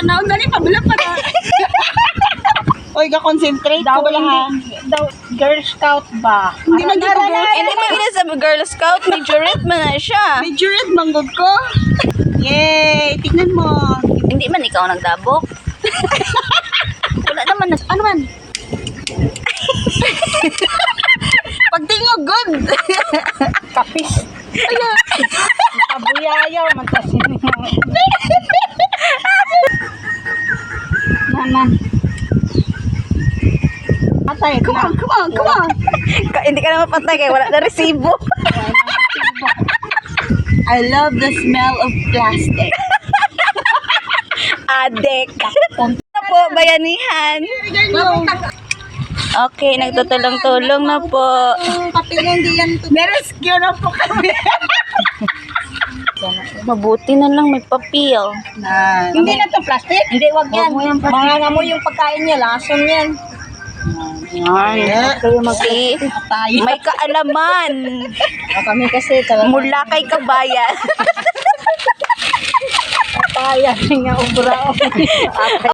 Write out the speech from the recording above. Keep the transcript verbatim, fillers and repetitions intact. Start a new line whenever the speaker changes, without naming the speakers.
Tanaw na rin, pabula pa na. Oy, ka-concentrate ko wala ha.
Daw, Girl Scout ba?
Hindi man di ko girl.
Hindi man gina sa Girl Scout, majorette man na siya.
Majorette manggod ko. Yay! Tignan mo.
Hindi man ikaw nagdabok. Wala naman na, ano man?
Pagtingog, good.
Kapis. Kabuyayaw, mantasin mo. Naman. Atay,
Come on, come on, come on.
Ka- hindi ka na mapantay kaya wala na resibo.
I love the smell of plastic.
Adek. Ano po, bayanihan? Okay, nagtutulong-tulong na po.
Patingin di yan. Nerescue na po kami.
Mabuti na lang may papel.
Na,
Hindi na to plastic? Hindi, wag yan. Mga nga mo yung pagkain niya, lason yan.
Yan. See,
tayo.
may kaalaman.
Kami kasi talaga.
Mula kay kabayan.
Kaya nga ubra.